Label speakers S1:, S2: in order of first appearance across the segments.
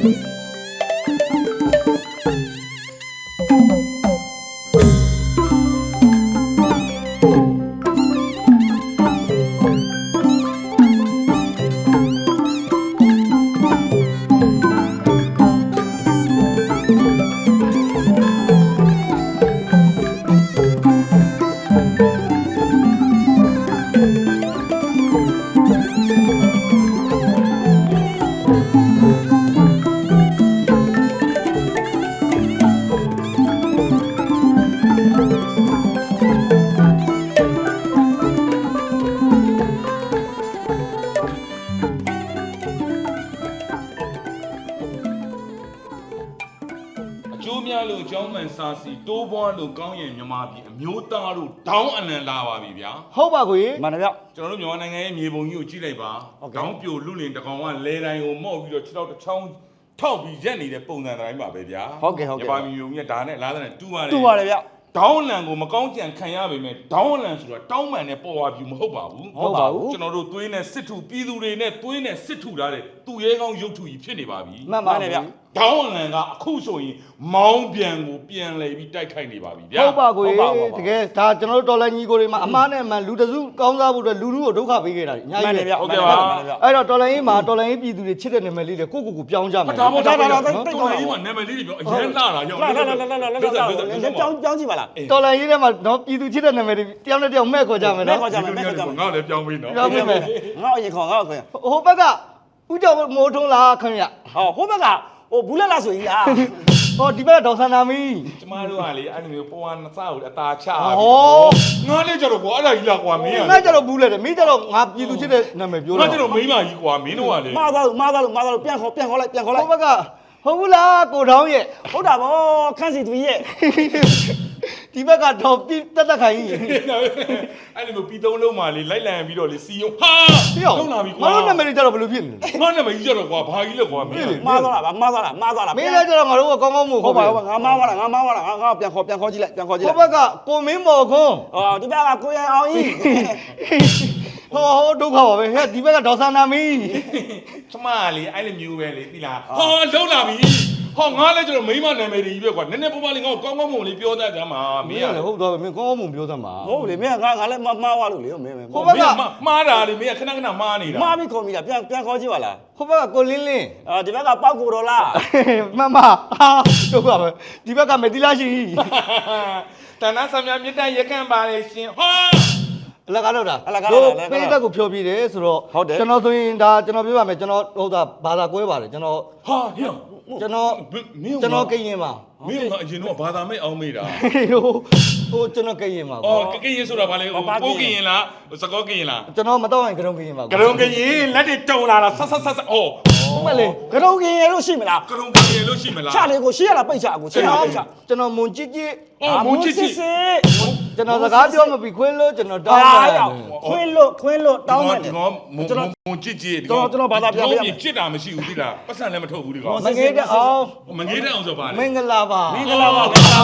S1: တိုးပွားလို့ကောင်းရင်မြန်မာပြည်အမျိုးသားတို့ဒေါင်းအလံလာပါပြီဗျာ
S2: ဟုတ်ပါကိုကြီး
S3: မှန်တယ်ဗျ
S1: ကျွန်တော်တို့မြန်မာနိုင်ငံရဲ့မြေပုံကြီးကိုကြည့်လိုက်ပါဒေါင်းပြိုလူလင်တကောင်ကလဲတိုင်းကိုမော့ပြီးတော့6တစ်ချောင်းထောက်ပြီးရက်နေတဲ့ပုံစံတိုင်းပါပဲဗျာ
S3: ဟုတ်ကဲ့
S1: မြန်မာပြည်မျိုးကြီးကဒါနဲ့လားတဲ့တူပါတယ်
S3: တူပါတယ်ဗျ
S1: ဒေါင်းလံကိုမကောင်းကြံခံရပေမဲ့ဒေါင်းလံဆိုတာတောင်းပန်နဲ့ပေါ်ဝါပြူမဟုတ်ပါဘူး
S3: ဟုတ်ပါဘူး
S1: ကျွန်တော်တို့သွေးနဲ့စစ်ထုပြည်သူတွေနဲ့သွေးနဲ့စစ်ထုထားတဲ့သူရဲကောင်းရုပ်ထုကြီးဖြစ်နေပါပြီ
S3: မှန်ပါတယ်ဗျ
S1: ဒေါင်းလံကအခုဆိုရင်မောင်းပြန်ကိုပြန်လှည့်ပြီးတိုက်ခိုက်နေပါပြီဗျာ
S2: ဟုတ်ပါကိုကြီးတကယ်ဒါကျွန်တော်တို့တော်လိုင်းကြီးကိုတွေမှာအမားနဲ့အမှန်လူတစုကောင်းစားဖို့အတွက်လူထုကိုဒုက္ခပေးခဲ့တာအများကြီးပဲ
S1: ဟုတ်ကဲ့ပါ
S2: အဲ့တော့တော်လိုင်းကြီးမှာတော်လိုင်းကြီးပြည်သူတွေချစ်တဲ့နာမည်လေးတွေကိုပြောင်းကြမယ်
S1: ဒါပေါ့တော်လိုင်းကြီးမှာနာမည်လေးတွေပြောအရင်လာတာရောက်
S3: လာပြောင်းကြည့်ပါလား
S2: တော်လိုင်းကြီးထဲမှာတော့ပြည်သူချစ်တဲ့နာမည်တွေတယောက်နဲ့တယောက်မဲ့ခေါ်ကြမယ်နော်
S1: ငါလည်းပြောင်းပြီးနော်
S2: ပြောင်းပြီမယ်
S3: ငါအရင်ခေါ်ငါခေါ်
S2: ဟိုဘက်ကဦးကျော်မိုးထုံးလားခင်ဗျ
S3: ဟိုဘက်ကဟိုဘူးလက်လားဆိုကြီးလား
S2: ဟောဒီဘက်ကဒေါက်ဆန်နာမီ
S1: ကျမတို့ကလေအဲ့လိုမျိုးပေါ်ဝါနစကိုအသာချ
S2: ဟော
S1: ငါလည်းကြတော့ကွာအဲ့ဒါကြီးလားကွာမင်းက
S2: ငါကြတော့ဘူးလက်တယ်မင်းကြတော့ငါပြည်သူချစ်တဲ့နာမည်ပြော
S1: တာငါကြတော့မိန်းမကြီးကွာမင်းတို့ကလေ
S3: မှားသွားလို့ပြန်ခေါ်လိုက်
S2: ဟိုဘက်ကဟုတ်ဘူးလားကိုထောင်းရဲ့
S3: ဟုတ်တာဗောခန့်စီသူရဲ့
S2: ဒီဘက်ကတော့တက်ခိုင်ကြီး
S1: အဲ့လိုမျိုးပြီးသုံးလုံးမှလေလိုက်လံပြီးတော့လေစီယုံဟာ
S2: လုံးလာပြီကွာငါတို့နာမည်ကြတော့ဘယ်လိုဖြစ်နေလဲ
S1: ငါနာမည်ကြီးကြတော့ကွာဘာကြီးလဲကွာမင်း
S3: မှားသွားလားမင်း
S2: လည်းကြတော့ငါတို့ကကောင်းမို့
S3: ဟုတ်ပါငါမှားသွားလားငါပြန်ခေါ်ကြည့်လိုက်
S2: ဟိုဘက်ကကိုမင်းမော်ခွန်း
S3: ဒီဘက်ကကိုရန်အောင်ကြီး
S2: ဟောဒုက္ခပါပဲဟဲ့ဒီဘက်ကဒေါက်ဆန်နာမီ
S1: ကျမလေအဲ့လိုမျိုးပဲလေသိလားဟောလုံးလာပြီဟောငါလည်းကျတော့မိမနာမည်ကြီးပဲကွာနည်းနည်းပေါ်ပါလေးငါ့ကိုကောင်းကောင်းမွန်လေးပြောတတ်ကြမှာ
S2: မင်းကလည်းဟုတ်တော့မင်းကောင်းကောင်းမွန်ပြောတတ်မှာ
S3: ဟုတ်လေမင်းကငါလည်းမှားသွားလို့လေမင်း
S2: ဟိုဘက်က
S1: မှားတာလေမင်းကခဏမှားနေတာ
S3: မှားပြီးခေါ်မိတာပြန်ခေါ်ကြည့်ပါလား
S2: ဟိုဘက်ကကိုလင်း
S3: ဒီဘက်ကပေါက်ကိုတော်လား
S2: မမဒုက္ခပဲဒီဘက်ကမတီလာရှိ
S1: တဏ္ဍဆံမြမြစ်တရက်ခန့်ပါလေရှင်ဟော
S2: အလကားလောက်တာတို့ပိဋကတ်ကိုဖြောပြတယ်ဆိုတော့ကျွန်တော်ဆိုရင်ဒါကျွန်တော်ပြောပါမယ်ကျွန်တော်ဟုတ်တာဘာသာကွဲပါတယ်ကျွန်တော်
S1: ဟာဟေ့
S2: ကျွန်တော်ကရင်ပါ
S1: မင်းကအရင်တော့ဘာသာမဲ့အောင်မေးတာ
S2: ဟိုကျွန်တော်ကရင်ပါ
S1: အော်ကရင်ဆိုတာဘာလဲပိုးကရင်လားစကောကရင်လား
S2: ကျွန်တော်မတော့ရင်ကရုံကရင်ပါ
S1: ကရုံကရင်လက်တွေတုံလာလားဆက်အော်
S2: ဟုတ်ပါလေ
S3: ကရုံကရင်လို့ရှိမလား
S1: ကရုံကရင်လို့ရှိမလား
S3: ချလေကိုရှေ့ရလားပိတ်ချကိုရှေ့ရပိတ်ချ
S2: ကျွန်တော်မွန်ကြည့်
S1: မွန်ကြည့်
S2: ကျွန်တော်စကားပြောမပြီးခွင်းလို့ကျွန်တော်တောင်း
S3: တယ်ခွင်းလို့တောင်းတယ်
S1: ကျွန်တော်မွန်ကြည့်
S3: ကျွန်တော်ဘာသာပြန်ပြ
S1: ချစ်တာမရှိဘူးသိလားပတ်စံလည်းမထုတ်ဘူးဒီကောင်
S2: မငေးတဲ့အောင်
S1: ဆိုပါလေ
S2: မင်္ဂလာပါ
S1: မှန်တယ်မှန်လုံးချတာ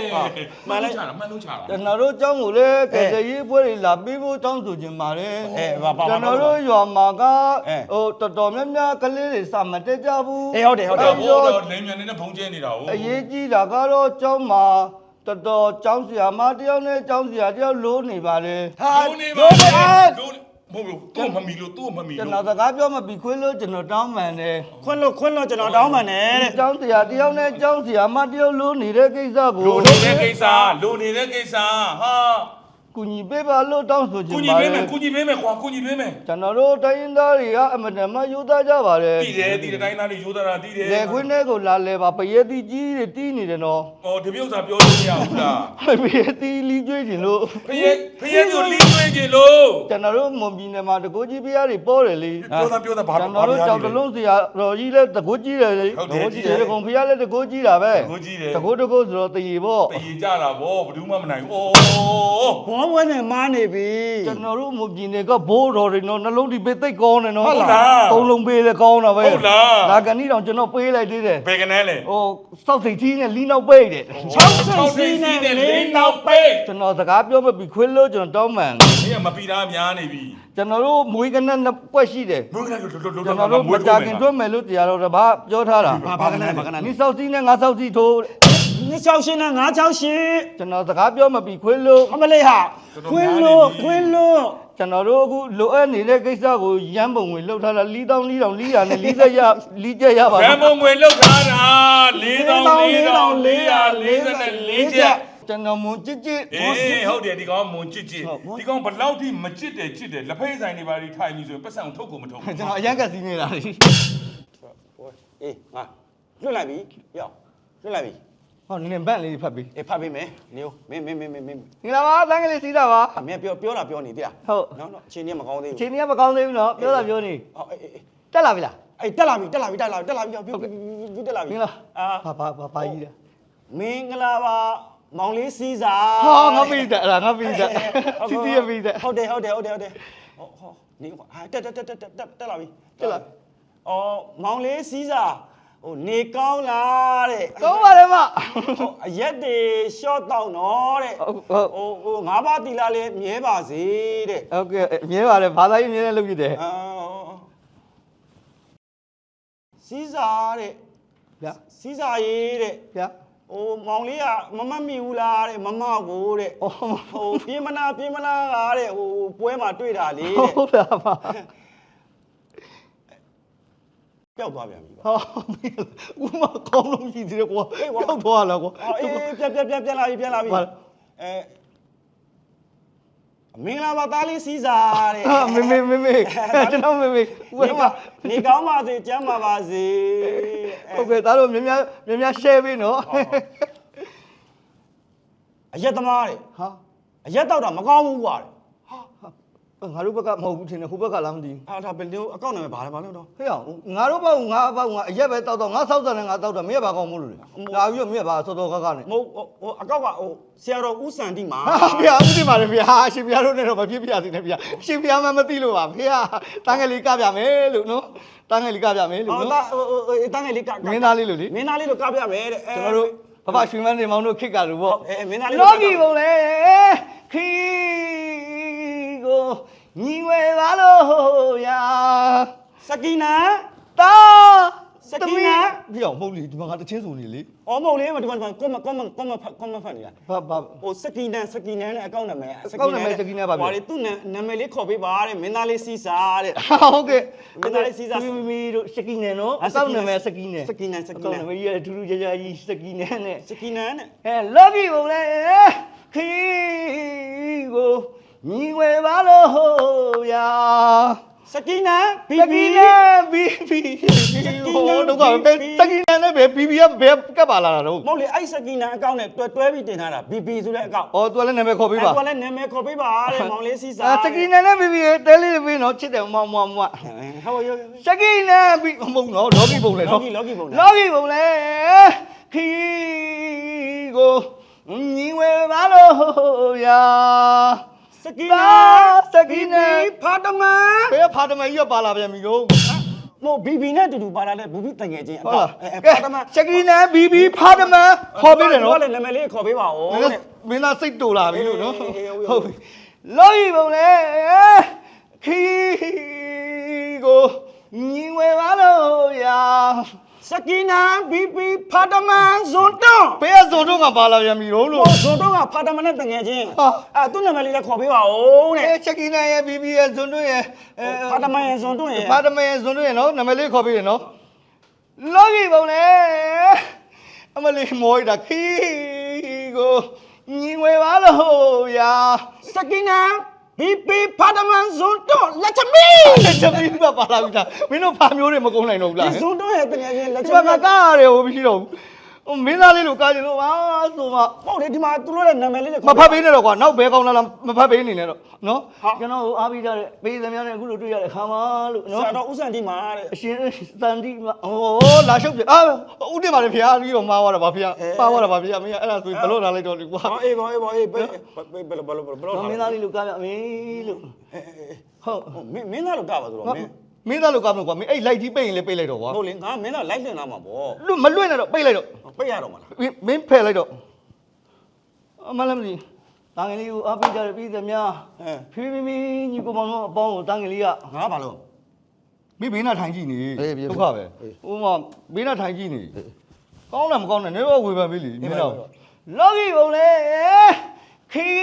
S2: ကျွန်တော်တို့ကျောင်းကိုလည်းကယ်ဆယ်ရေးပွဲတွေလာပြီးဖို့တောင်းဆိုခြင်းပါတယ်ကျွန်တော်တို့ရွာမှာကဟိုတော်တော်များများကလေးတွေစမတက်ကြဘူး
S3: ဟုတ်တယ်
S1: ဘိုးတော်လိမ်မြန်နေတဲ့ဘုံကျဲနေတာဟုတ်
S2: အရေးကြီးတာကတော့ကျောင်းမှာတော်ကျောင်းဆရာမတယောက်နဲ့ကျောင်းဆရာတယောက်လိုးနေပါလေ
S1: လိုးနေပါလေမဟုတ်ဘူးသူ့မမီလို့
S2: ကျွန်တော်စကားပြောမပြီးခွင်းလို့ကျွန်တော်တောင်းပန်တယ်
S3: ခွင်းလို့ကျွန်တော်တောင်းပန်တယ်တဲ့
S2: ကျောင်းဆရာတယောက်နဲ့ကျောင်းဆရာမတယောက်လိုးနေတဲ့ကိစ္စကို
S1: လိုနေတဲ့ကိစ္စဟာ
S2: ကူညီပေးပါလို့တောင်းဆိုချင်
S1: ပါတယ်ကူညီပေးမယ်ကွာကူညီပေးမယ်
S2: ကျွန်တော်တို့တိုင်းရင်းသားတွေကအမတန်မှယူသားကြပါတယ်
S1: တည်တယ်တိုင်းသားတွေယူသားတာတည်တယ်
S2: လေခွင်းထဲကိုလာလဲပါပရဲတီကြီးတွေတီးနေတယ်နော်
S1: ဒီပြုတ်စာပြောလို့မရဘူးလား
S2: ပရဲတီလီကျွေးကျင်လို့
S1: ပရဲကိုလီကျွေးကျင်လို့
S2: ကျွန်တော်တို့မွန်ပြည်နယ်မှာတကိုးကြီးဖျားတွေပေါ်တယ်လေ
S1: ပြောတာဘာ
S2: ကျွန်တော်တို့ကြောက်တလုံးစရာတော်ကြီးလဲတကိုးကြီးတယ်လေတကိုးကြီးတယ်ကောင်ဖျားလဲတကိုးကြီးတာပဲ
S1: တကိုးကြီးတယ်
S2: တကိုးဆိုတော့တည်ပေါ့
S1: တည်ကြတာဗောဘယ်သူမှမနိုင်ဘူး
S3: ဩဘောပွဲနဲ့မားနေပြီ
S2: ကျွန်တော်တို့မူပြင်တွေကဘိုးတော်တွေနော်နှလုံးဒီပေးသိတ်ကောင်းတယ်နော်
S1: ဟုတ်လား
S2: သုံးလုံးပေးလေကောင်းတာပဲ
S1: ဟုတ်လား
S2: ဒါကနေ့တော့ကျွန်တော်ပေးလိုက်သေးတယ်
S1: ဘယ်ကနေလဲ
S2: ဟိုစောက်စိတ်ကြီးနဲ့လီနောက်ပိတ်တယ်
S3: 6စိတ်စီးနဲ့လေးနောက်ပိတ်
S2: ကျွန်တော်စကားပြောမပြီးခွေးလို့ကျွန်တော်တောင်းမှန်
S1: မင်းကမပီတာများနေပြီ
S2: ကျွန်တော်တို့မွေးကနက်နှစ်ပွက်ရှိတယ်
S1: မွေးကလေးလွတ်
S2: ကျွန်တော်တို့မကြခင်တွဲမယ်လို့တရားတော်တပါပြောထားတာ
S3: ဘာကန
S2: နီစောက်စီးနဲ့ငါစောက်စီးထိုး
S3: 268နဲ့968
S2: ကျွန်တော်စကားပြောမပြီးခွေးလို့
S3: အမလေးဟာခွင်းလို့
S2: ကျွန်တော်တို့အခုလိုအပ်နေတဲ့ကိစ္စကိုရမ်းပုံဝင်လှုပ်ထားတာ4,000 4,000 440ရလီးချက်ရပါ
S1: ဗန်မုံငွေလောက်ထားတာ4,444ချက်
S2: ကျွန်တော်မွန်ကြစ်ကြစ်
S1: အေးဟုတ်တယ်ဒီကောင်မွန်ချစ်ချစ်ဒီကောင်ဘလောက်ထိမချစ်တယ်ချစ်တယ်လက်ဖိတ်ဆိုင်တွေပါပြီးထိုင်ပြီးဆိုရင်ပတ်စံထုတ်ကိုမထုတ်ဘူး
S2: ကျွန်တော်အရန်ကစီးနေတာလေ
S3: အေးငါလွတ်လိုက်ပြီရောက်လွတ်လိုက်ပြီ
S2: ဟောနင်းဘန့်လေးဖတ်ပြီး
S3: အေးဖတ်ပေးမယ်နေဦးမင်း
S2: ငင်လာပါတန်းကလေးစီးတာပါ
S3: အမေပြောတာပြောနေသေးလား
S2: ဟုတ်
S3: နော်အချိန်ကြီးမကောင်းသေး
S2: အ
S3: ဘူး
S2: ချိန်ကြီးကမကောင်းသေးဘူးနော်ပြောတာပြောနေ
S3: ဟုတ်အေး
S2: တက်လာပြီလား
S3: အေးတက်လာပြီတက်လာပြီပြောတက်လာပြီ
S2: မင်္ဂလာ
S3: အာ
S2: ဘာကြီးလဲ
S3: မင်္ဂလာပါမောင်လေးစီးစာ
S2: ဟောငါပြီးတယ်အဲ့ဒါငါပြီးတယ်စီစီရပြီးတယ်
S3: ဟုတ်တယ်ဟောနေဟာတက်လာပြီအော်မောင်လေးစီးစာဟိုနေကောင်းလားတဲ့
S2: ကောင်းပါလေမ
S3: အရက်တွေရှော့တောက်တော့တဲ့ ဟိုငါးပါးတီလာလေးမြဲပါစေတဲ့
S2: ဟုတ်ကဲ့မြဲပါတယ်ဘာသာရေးမြဲတဲ့လုပ်ပြတယ်
S3: စီးစာတဲ့
S2: ဗျာ
S3: စီးစာရေးတဲ့
S2: ဗျာ
S3: ဟိုမောင်လေးကမမတ်မိဘူးလားတဲ့မမကိုတဲ့
S2: အော်
S3: ဟိုပြေးမနာကတဲ့ဟိုပွဲမှာတွေ့တာလေတဲ့
S2: ဟုတ်လားပါ
S3: ပျောက်သွားပြန်ပြီ
S2: ဟောဦးမကောင်းလို့ရှိသေးတယ်ကွာရောက်သွားလားကွာ
S3: အေးပြန်လာပြီအဲမင်္ဂလာပါသားလေးစီးစာတဲ့
S2: ဟာမေကျွန်တော်မေဦးမ
S3: နေကောင်းပါစေကျမ်းပါစေ
S2: ဟုတ်ကဲ့သားတို့များ share ပေးနော်
S3: အရက်သမားတဲ့
S2: ဟာ
S3: အရက်တောက်တာမကောင်းဘူးကွာတဲ့
S2: ငါတို့ဘက်ကမဟုတ်ဘူးထင်တယ်ဟိုဘက်ကလားမသိဘူး
S3: ဒါဘယ်လိုအကောင့်နာမည်ဘာလဲတော့
S2: ဟေ့အောင်ငါတို့ဘောက်ငါအရက်ပဲတောက်တော့ငါဆောက်တယ်နဲ့ငါတောက်တယ်မင်းဘာကောင်းမို့လို့လေငါပြီးတော့မင်းဘာစောစောကနဲ့
S3: မဟုတ်ဟိုအကောက်ကဟိုဆရာတော်ဦးစံတိမှာ
S2: ဟာဖေဦးဒီမှာလေဖေဟာရှင်ပြတို့နဲ့တော့မဖြစ်ပြစီနဲ့ဖေရှင်ပြမမသိလို့ပါဖေဟာတန်းငယ်လေးကပြမယ်လို့နော်တန်းငယ်လေးကပြမယ်လို့
S3: ဟို
S2: နော်
S3: တန်းငယ်လေးက
S2: မင်းသားလေးလို့လေ
S3: မင်းသားလေးတို့ကပြမယ်တဲ့
S2: ကျွန်တော်တို့ဘဘရွှေမန်းနေမောင်တို့ခစ်ကလို့ပေါ့
S3: မင်းသားလေး
S2: လောကီဘုံလေခီကိုညီဝဲပါလို့ရာ
S3: စကီနာ
S2: တာပြီးအောင်မဟုတ်လေဒီမှာငါတချင်းစုံနေလေ
S3: အော်မဟုတ်လေဒီမှာကွန်မဖတ်နေတာ
S2: ဘာ
S3: ဟိုစကီနန်နဲ့အကောင့်နာမည်
S2: အကောင့်နာမည်စကီနန်ပါဗျာ
S3: ဟိုလေသူ့နာမည်လေးခေါ်ပေးပါတဲ့မင်းသားလေးစီစာတဲ့
S2: ဟုတ်ကဲ့
S3: မင်းသားလေးစီစာ
S2: မီတို့စကီနယ်နော်အကောင့်နာမည်စကီနယ်
S3: စကီနန်
S2: အကောင့်နာမည်ကြီးထူးထူးခြားခြားကြီးစကီနယ်နဲ့
S3: စကီနန်နဲ့
S2: လောကီဘုံလေခီကိုညီဝဲပါလို့ရာ
S3: စကီနာဘီ
S2: စ
S3: ဘီ
S2: ကီနယ်ဘီဟိုတော့ကပဲစကီနယ်နဲ့ပဲဘီကဘယ်ကပ်ပါလာတာတော့
S3: မဟုတ်လေအဲ့စကီနာအကောင့်နဲ့တွဲပြီးတင်ထားတာဘီဘီဆိုတဲ့အကောင့်
S2: အော်သူကလည်းနာမည်ခေါ်ပေးပါ
S3: သူကလည်းနာမည်ခေါ်ပေးပါတဲ့မောင်လေးစီစာ
S2: စကီနယ်နဲ့ဘီတဲလေးပေးနော်ချစ်တယ်မွား
S3: ဟုတ်ရော
S2: စကီနယ်ဘီမဟုတ်နော်လောကီဘုံလေနော်
S3: လောကီပုံ
S2: လောကီဘုံလေခီကိုညီဝဲပါလို့ရာ
S3: စကီနာဖာတမန်
S2: ဘယ်ဖာတမကြီးကပါလာပြန်ပြီတော့
S3: မို့ဘီဘီနဲ့တူတူပါလာတဲ့ဘူဘီတငယ်ချင်းအ
S2: ဟုတ်
S3: ကော
S2: လား
S3: ဖာတမန်
S2: စကီနယ်ဘီဖာတမခေါ်ပေးတယ်နော်
S3: လည်းနာမည်လေးခေါ်ပေးပါဦးတဲ့
S2: မင်းသားစိတ်တူလာပြီလို့နော်ဟုတ်ပြီလောကီဘုံလေခီကိုညီဝဲပါလို့ရာ
S3: စကီနာဘီဘီဖာတမန်ဇွန်တွန်း
S2: ဘယ်ကဇုံတော့ကပါလာပြန်ပြီတော့လို့
S3: ဇွန်တွန်းကဖာတမန်နဲ့တငယ်ချင်းသူ့နာမည်လေးလည်းခေါ်ပေးပါဦးတဲ့
S2: စကီနယ်ရဲ့ဘီရဲ့ဇုံတို့ရဲ့
S3: ဖာတမန်ရဲ့ဇွန်တွန်းရဲ့
S2: ဖာတမရဲ့ဇွန်တို့ရဲ့နော်နာမည်လေးခေါ်ပေးတယ်နော်လောကီဘုံလေအမလေးမောရတာခီကိုညီဝဲပါလို့ရာ
S3: စကီနာဘီဘီဖာတမန်ဇွန်တွန်းလက်ချမီ
S2: တမီးကပါလာပြီလားမင်းတို့ဖာမျိုးတွေမကုန်နိုင်တော့ဘူးလား
S3: ဒီဇွန်တွန်းရဲ့တငယ်ချင်းလက်ချ
S2: ဒီမှာ
S3: မီ
S2: ငါကားရတယ်ဟိုမရှိတော့ဘူးမင်းသားလေးလို့ကားကျင်လို့ပါဆိုမှ
S3: ဟုတ်တယ်ဒီမှာသူတို့ရဲ့နာမည်လေးတွေ
S2: မဖတ်ပေးနဲ့တော့ကွာနောက်ဘဲကောင်းလားမဖတ်ပေးနေနဲ့တော့နော်ကျွန်တော်အားပေးကြတဲ့ပေးသမျှနဲ့အခုလိုတွေ့ရတဲ့ခါမှလို့နော်
S3: ဆရာတော်ဦးစံဒီမှာတဲ့အ
S2: ရှင်စန်တီဟိုလာရှုပ်ပြဦးတင်ပါလေဖျားပြီးတော့မှားသွားတာပါဖျားပါသွားတာပါဖျားမင်းအဲ့ဒါဆိုဘလို့လာလိုက်တော့လေကွာ
S3: အေးပါဘယ်လို
S2: မင်းသားလေးလို့ကားပြမင်းလို့ဟုတ်
S3: မင်းသားလို့ကပါဆိုတော့မင်း
S2: မင်းသားလို့ကားမလို့ကွာမင်းအဲ့လိုက်ကြီးပိတ်ရင်လည်းပိတ်လိုက်တော့ကွာ
S3: ဟုတ်လေငါမင်းသားလိုက်တင်လာမှာပေါ့
S2: လွတ်မလွတ်နဲ့တော့ပိတ်လိုက်တော့
S3: ပိတ်ရတော့မလား
S2: မင်းဖယ်လိုက်တော့အမလည်းမသိတန်ငယ်လေးကိုအားပေးကြတဲ့ပြည်သူများဖီဖီမီညီကိုမောင်တို့အပေါင်းကိုတန်ငယ်လေးက
S3: ငါဘာလို့
S2: မင်းဘေးနာထိုင်ကြည့်နေဒုက္ခပဲဟိုမှာဘေးနာထိုင်ကြည့်နေကောင်းတယ်မကောင်းတယ်နေတော့ဝေဖန်ပြီလေမင်းတော့လောကီဘုံလေခီ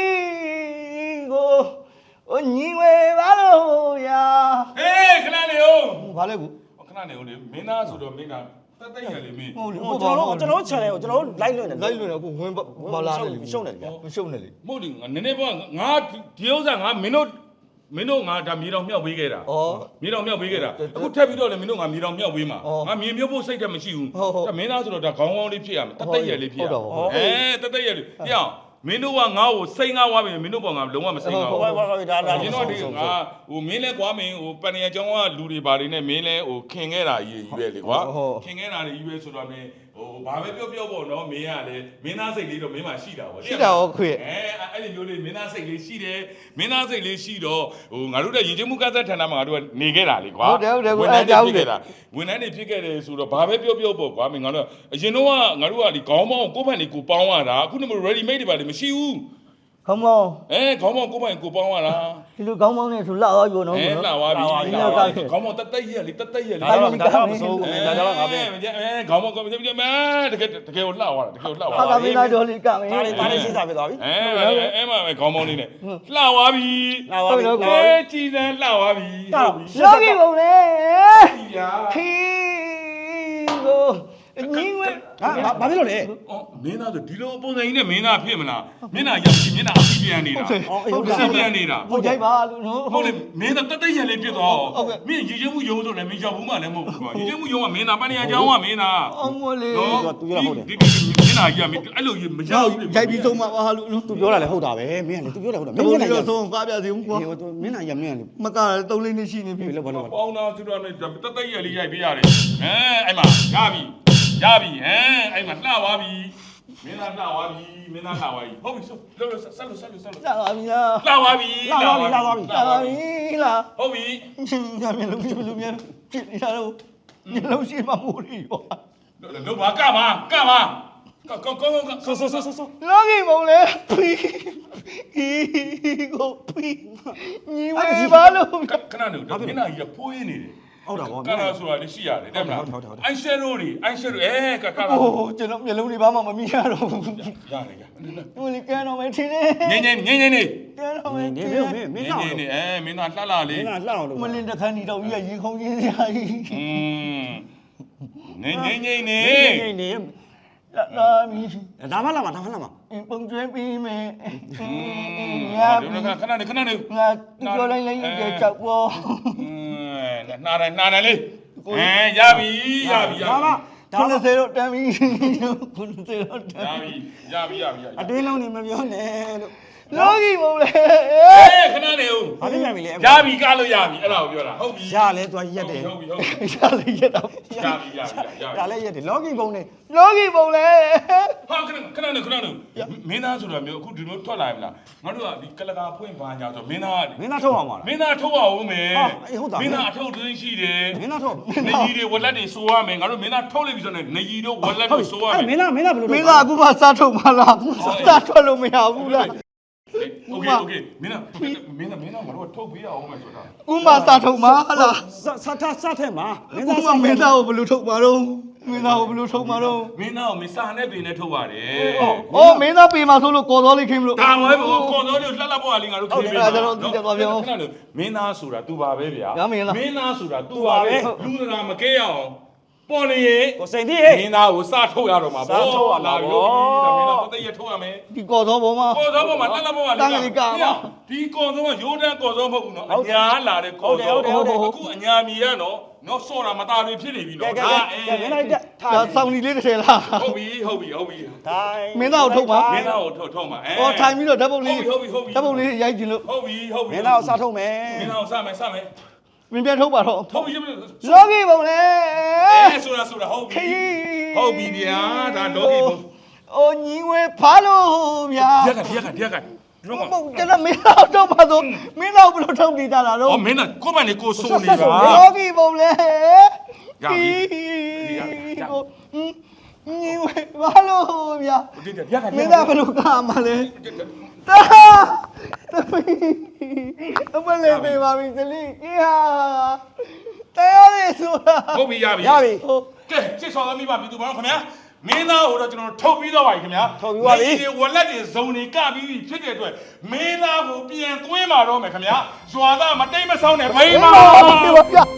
S2: ကိုညီဝဲပါလို့ရာ
S1: ဟေးခဏနေဦး
S2: ဘာလဲကူ
S1: ခဏနေဦးလေမင်းသားဆိုတော့မင်းသားတက်တက်ရလေမင်း
S2: ဟုတ်လေ
S3: ကျွန်တော် channel ကိုကျွန်တော်လိုက်လွှင့်တယ်
S2: လိုက်လွှင့်တယ်အခုဝင်ဘာလာတယ်လေ
S3: ရှုံးတယ်ဗျာ
S2: မရှုံးနဲ့လေ
S1: မဟုတ်လေနည်းနည်းပေါ့ငါဒီဥစ္စာငါမင်းတို့ငါဒါမြေတော်မြောက်ပေးခဲ့တာ
S2: ဩ
S1: မြေတော်မြောက်ပေးခဲ့တာအခုထပ်ပြီးတော့လေမင်းတို့ငါမြေတော်မြောက်ပေးမှာငါမြေမြုပ်ဖို့စိတ်တက်မရှိဘူးဒါမင်းသားဆိုတော့ဒါခေါင်းကောင်းလေးဖြစ်ရမယ်တက်တက်ရလေးဖြစ်ရမယ်တက်တက်ရလေးပြောင်းမင်းတို့ကငါ့ကိုစိတ်ငါဝါပြီမင်းတို့ပေါ်ငါလုံးဝမစိတ်ငါ
S3: ဟို
S1: ဘူး
S3: ဘာဒါလာ
S1: ကျွန်တော်ဒီငါဟိုမင်းလဲကွာမင်းဟိုပန်ရကျောင်းကလူတွေပါတွေနဲ့မင်းလဲဟိုခင်ခဲ့တာကြီးပဲလေကွာခင်ခဲ့တာကြီးပဲဆိုတော့မင်းဟိုဘာပဲပြောပေါ့နော်မင်းကလည်းမင်းသားစိတ်လေးတော့မင်းမှရှိတာပေါ့
S2: ရှိတာဟုတ်ခွေ
S1: အဲ့ဒီမျိုးလေးမင်းသားစိတ်လေးရှိတယ်မင်းသားစိတ်လေးရှိတော့ဟိုငါတို့တဲ့ရင်ကျမှုကသက်ဌာနမှာငါတို့ကနေခဲ့တာလေကွာဝန်ထမ်းတွေဖြစ်ခဲ့တယ်ဆိုတော့ဘာပဲပြောပေါ့ကွာမင်းငါတို့အရင်တော့ငါတို့ကဒီခေါင်းပေါင်းကိုယ့်ဘက်နေကိုပေါင်းရတာအခုနမ ready made တွေပါလေမရှိဘူး
S2: ခေါင်းမောင်း
S1: ခေါင်းပေါင်းကိုယ့်ဘက်ကိုပေါင်းရတာ
S2: ဒီလိုခေါင်းမောင်းနဲ့ဆိုလှသွားပြီနော်
S1: လှသွားပြီခေါင်းပေါင်းတက်တက်ရက်လေတက်တက်ရက်လေ
S3: ဒါတော့မစိုးဘူးဒါတော့ငါပဲ
S1: ခေါင်းပေါင်းကိုတကယ်ကိုလှသွားတာတကယ်လှသွား
S2: ဟာတာမင်းသားတော်လေးကမင်း
S3: ဒါလေးစဉ်းစားပြသွားပြီ
S1: အဲ့မှာပဲခေါင်းပေါင်းလေးနဲ့လှသွားပြီ
S3: လာပါပြီ
S1: ကြည်စမ်းလှသွားပြီ
S2: လောကီဘုံလေခီကိုညီဝဲ
S3: ဟာဘာဖြစ်လို့လဲ
S1: မင်းသားဆိုဒီလိုပုံစံကြီးနဲ့မင်းသားဖြစ်မလားမျက်နှာရောက်ပြီးမျက်နှာအစီပြန်နေတာပြန်နေတာ
S2: ဟုတ်ကြိုက်ပါလို့နော်
S1: ဟုတ်လေမင်းသားတက်တက်ရက်လေးပြစ်သွားမင်းရေချမှုယုံဆိုလည်းမင်းရောက်ဘူးမှလည်းမဟုတ်ဘူးကွာရေချမှုယုံကမင်းသားပန်းနေရာကျောင်းကမင်းသား
S2: အောင်မလေး
S1: ဒီမျက်နှာကြီးကမင်းအဲ့လိုမရောက်ဘူး
S2: ကြိုက်ပြီးဆုံးမှာပါလို့နော်
S3: သူပြောတာလည်းဟုတ်တာပဲမင်းကလေသူပြောတယ်ဟုတ်တာမ
S2: ဘုံ
S3: င်း
S2: လေး
S3: က
S2: တော့ဆုံးကားပြစီဦးကွာ
S3: ဟိုမင်းကရမင်းကလေ
S2: မကား3လေးနှစ်ရှိနေပြီ
S3: ဘယ်လိုဘာလို့
S1: ပေါင်းသားသူတို့နဲ့တက်တက်ရက်လေးရိုက်ပေးရတယ်အဲ့မှာရပြီအဲ့မှာလှသွားပြီမင်းသားလှသွားပြီမင်းသားလှသွားပြီဟုတ်ပြီဆက်လို့
S2: လာပါပြီလား
S1: လှသွားပြီ
S2: လာပါပြီလား
S1: ဟုတ်ပြီ
S2: ညမျက်လုံးပြလို့မြန်ဖြစ်နေတာတော့မျက်လုံးရှိမှမိုးရီရော
S1: တို့ဘာကပါကောင်း
S3: ဆို
S2: လောကီဘုံလေဖီကိုဖီညီဝဲပါလို့
S1: ခဏနေတော့မင်းသားကြီးဖိုးရင်းနေတယ်
S3: ဟုတ်တာဗော
S1: ကလာဆိုတာလည်းရှိရတယ်တဲ့မလားအိုင်ရှယ်ရိုတွေကလာ
S2: ဟိုကျွန်တော်မျက်လုံးတွေဘာမှမမြင်ရတော့ဘူး
S1: ရတယ်
S2: ဟိုလေကန်တော့မထင်းနေ
S1: ငင်းနေ
S2: ကန်တော့မ
S3: နေ
S2: ထင်း
S3: မင်းမင်းတော့
S1: နေမင်းသားလှလှလေး
S3: မင်းကလှအောင်လုပ်
S2: မလင်းတခန်းဒီတော့ကြီးရေခုံးကြီးစရာကြီး
S1: ငင်းနေ
S3: နေ
S2: လာမီ
S3: ဒါမှလာမှာ
S2: ပုံကျွဲပြီးမယ်
S1: ခဏနေ
S2: ငါပြောလိုက်ကြချက်ပေါ်
S1: နာတယ်လေးရပြီ
S3: ဒါမှ
S2: 90တော့တမ်းပြီ90တော့တမ်းပြီ
S1: ရပြီ
S3: အတွင်းလုံးနေမပြောနဲ့လို့
S2: လောကီဘုံလေ
S1: ခဏနေဦး
S3: ဘာဖြစ်ပြန်ပြီလဲ
S1: ရပြီကလို့ရပြီအဲ့ဒါကိုပြောတာဟုတ်ပြီ
S3: ရလဲသူရက်တယ်
S1: ဟုတ်ပြီ
S2: ရှာလေးရက်တော့
S1: ရပြီ
S3: ဒါလည်းရက်တယ်လောကီဘုံနဲ့
S2: လောကီဘုံလေ
S1: ဟာခဏနေမင်းသားဆိုတာမျိုးအခုဒီလိုထွက်လာပြီလားငါတို့ကဒီကလကာဖွင့်ပါညာဆိုမင်းသား
S3: ထုတ်အောင်ပါလား
S1: မင်းသားထုတ်အောင်မယ်
S3: ဟုတ်တာ
S1: မင်းသားအထုတ်သွင်းရှိတယ်
S3: မင်းသားထုတ်
S1: နေကြီးတွေဝက်လက်တွေစိုးရမယ်ငါတို့မင်းသားထုတ်လိုက်ပြီဆိုတော့နေကြီးတို့ဝက်လက်တွေစိုးရမယ်
S3: မင်းသားဘယ်လို
S2: မင်းသားအခုမှစားထုတ်မှလားစားထွက်လို့မရဘူးလား
S1: โอเคမင်းသားငါတို့ထုတ်ပေးရအောင်မယ်ဆိုတာ
S2: ဥမာစားထုတ်မှလား
S3: စထဲမှာ
S2: မင်းသားမင်းသားကိုဘယ်လိုထုတ်မှာတော့မင်းသားကိုဘယ်လိုထုတ်မှာတော့
S1: မင်းသားကိုမစာနဲ့ပင်နဲ့ထုတ်ပါတယ်
S2: အော်မင်းသားပေမှာဆိုလို့ကော်တော်လေးခင်းမလို့
S1: ဒါပဲကော်တော်လေးလှလှပေါ်ကလေးငါတို့ခင်းပေး
S2: ဟုတ်တယ်ကျွန်တော်သိတယ်ပါဗျာ
S1: မင်းသားဆိုတာ तू ပါပဲဗျာ
S2: မင်းသား
S1: ဆိုတာ तू ပါပဲလူစကားမကဲရအောင်ပေါ်နေရင်
S3: ကိုစိန်တိဟဲ့
S1: မင်းသားကိုစထုတ်ရတော့မှာ
S3: စထုတ်ရမှာပေါ့
S1: ဒါမင်းသားတသိရထုတ်ရမယ်
S2: ဒီကော်သောပေါ်မှာ
S1: ကော်စောပေါ်မှာတက်လက်ပေါ်မှာ
S2: တန်းကြီးကပါ
S1: ဒီကော်စောကရိုးတန်းကော်စောမဟုတ်ဘူးနော်အညာလာတဲ့ကော်စောအခုအညာမီရနော်စော့တာမသားတွေဖြစ်နေပြီ
S3: ကဲ
S1: နော်
S3: ကဲကဲမင်းလိုက်တက်ထား
S2: ဒါစောင်းဒီလေးတစ်ထည်လား
S1: ဟုတ်ပြီ
S3: ထိုင်
S2: မင်းသားကိုထုတ်ပါ
S1: မင်းသားကိုထုတ်မှာ
S2: ဟောထိုင်ပြီးတော့ဓာတ်ပုံလေး
S1: ဟုတ်ပြီ
S2: ဓာတ်ပုံလေးရိုက်ကြည့်လို့
S1: ဟုတ်ပြီ
S3: မင်းသားကိုစားထုတ်မယ်
S1: မင်းသားကိုစမယ်
S2: မင်းပြန်ထုတ်ပါတော့
S1: ထုတ်ပြီ
S2: လောကီပုံလေ
S1: ဆိုတာဟုတ်
S2: ခ
S1: ပြီ
S2: ရီး
S1: ဟုတ်ပြီဗျာဒါလောကီပုံ
S2: အိုညီငွေဖားလို့ဗျာ
S1: ဒီကလုံးဝ
S2: ဟုတ်ကျွန်တော်မင်းတော့ထုတ်ပါတော့မင်းတော့ဘယ်လိုထုတ်နေကြတာတော့
S1: အော်မင်းကကိုမန်နေကိုစိုးနေတာ
S2: လောကီပုံလေ
S1: ရပြီ
S2: ညီငွေဖားလို့ဗျာ
S1: ဒီက
S2: မင်းသားဘယ်လိုကားမှလဲတာအမလေးပေးပါပြီသလေးကြီးဟာတရားရည်ဆိုတာ
S1: ဟုတ်ပြီရပြီ
S3: ရပြီ
S2: ဟုတ်
S1: ကဲစစ်ဆောင်သမီးပါပြည်သူပါတော့ခင်ဗျာမင်းသားကိုတော့ကျွန်တော်ထုတ်ပြီးတော့ပါပြီခင်ဗျာ
S3: ထုတ်ပြီးပါပြီ
S1: ဒီဝလက်တွေဇုံတွေကပြီးပြီဖြစ်တဲ့အတွက်မင်းသားကိုပြန်သွင်းมาတော့မယ်ခင်ဗျာရွာသားမတိတ်မဆောင်းနဲ့မိန်းမ
S2: ပြပါပြ